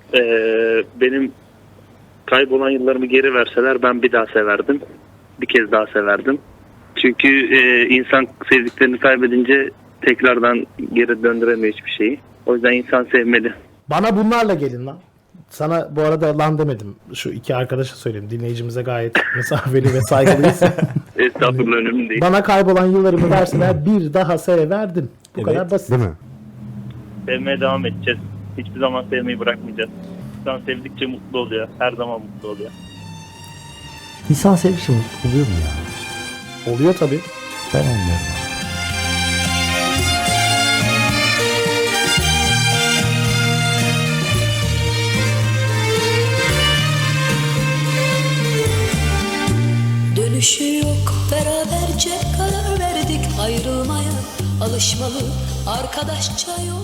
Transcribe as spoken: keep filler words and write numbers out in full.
Ee, benim kaybolan yıllarımı geri verseler ben bir daha severdim. Bir kez daha severdim. Çünkü e, insan sevdiklerini kaybedince tekrardan geri döndüremiyor hiçbir şeyi. O yüzden insan sevmeli. Bana bunlarla gelin lan. Sana bu arada lan demedim. Şu iki arkadaşa söyleyeyim. Dinleyicimize gayet mesafeli ve saygılıyız. Estağfurullah, önemli değil. Bana kaybolan yıllarımı verseler bir daha severdim. Bu Evet, kadar basit. Değil mi? Sevmeye devam edeceğiz. Hiçbir zaman sevmeyi bırakmayacağız. İnsan sevdikçe mutlu oluyor. Her zaman mutlu oluyor. İnsan sevgisi mutlu oluyor mu ya? Oluyor tabii. Ben olmuyorum. Dönüşü yok, beraberce karar verdik ayrılmaya. Alışmalı arkadaşça yol